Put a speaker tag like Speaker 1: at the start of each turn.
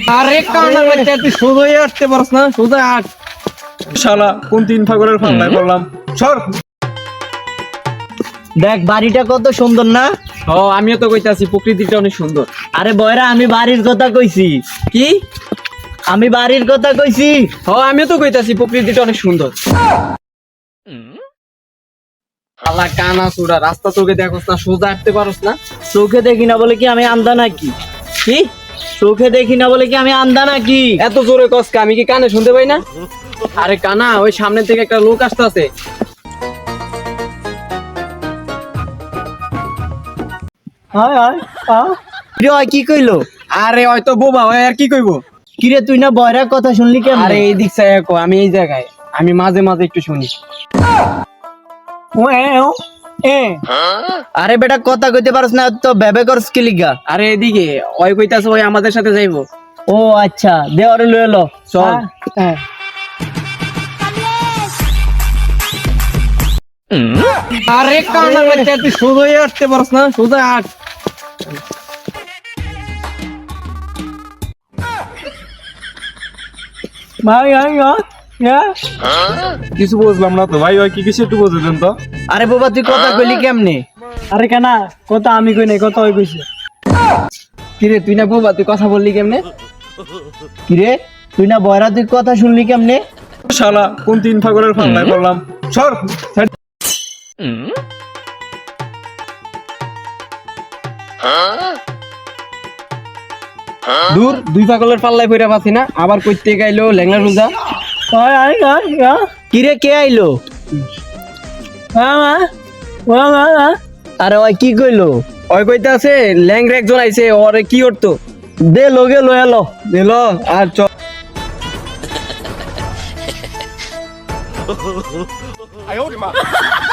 Speaker 1: আরে কানা বাচ্চা তুই সোজাই আসতে পারছ না, সোজা আট।
Speaker 2: শালা কোন তিন ফাগলের ফাল্লায় পড়লাম। সর।
Speaker 3: দেখ বাড়িটা কত সুন্দর না?
Speaker 1: ও আমিও তো কইতাছি প্রকৃতিটা অনেক সুন্দর।
Speaker 3: আরে বয়রা আমি বাড়ির কথা কইছি।
Speaker 1: কি?
Speaker 3: আমি বাড়ির কথা কইছি।
Speaker 1: ও আমিও তো কইতাছি প্রকৃতিটা অনেক সুন্দর। আল্লাহ কানা সুরা, রাস্তা তোকে দেখোস না, সোজা হাঁটতে পারোস না।
Speaker 3: চোখে দেখি না বলে কি আমি আন্ধা নাকি?
Speaker 1: কি?
Speaker 3: চোখে দেখি না বলে কি আমি আন্ধা নাকি?
Speaker 1: এত জোরে কসকা, আমি কি কানে শুনতে পাই না? আরে কানা, ওই সামনে থেকে একটা লোক আসতেছে।
Speaker 3: হায় হায় কিরে ওই কি কইলো?
Speaker 1: আরে হয়তো বোবা, ওই আর কি কইবো?
Speaker 3: কিরে তুই না বয়রার কথা শুনলি কেমন?
Speaker 1: আরে এই দিক চাই কো, আমি এই জায়গায়, আমি মাঝে মাঝে একটু শুনি।
Speaker 3: আরে বেটা কথা কইতে পারছ না তো বেবে করস কি লিগা?
Speaker 1: আরে এদিকে ওই কইতাছে ওই আমাদের সাথে যাইবো।
Speaker 3: ও আচ্ছা দে ওরে লয়ে লো
Speaker 1: চল। আরে কানা বাচ্চা তুই সোজাই আসতে পারছ না, সোজা আট।
Speaker 2: কিছু বুঝলাম না তো ভাই, ওই কি কিছু একটু বুঝে দেন তো।
Speaker 3: আরে বাবা তুই কথা কইলি কেমনে?
Speaker 1: আরে কানা, কথা আমি কই নাই, কথা ওই কইছে। কিরে তুই না বোবা, তুই কথা বললি কেমনে?
Speaker 3: কিরে তুই না বয়রা তুই কথা শুনলি কেমনে?
Speaker 2: শালা কোন তিন ফাগলের ফাল্লায় পড়লাম। সর।
Speaker 1: দূর, দুই পাগলের পাল্লায় পইরা পাচ্ছি না, আবার কইতে গাইলো ল্যাংলা রুজা।
Speaker 3: কিরে কে আইলো? আরে ওই কি কইলো?
Speaker 1: ওই কইতাছে ল্যাংরা একজন আইছে, ওরে কি করতো?
Speaker 3: দে লগে লয়ে লো।
Speaker 1: দিল আর চল।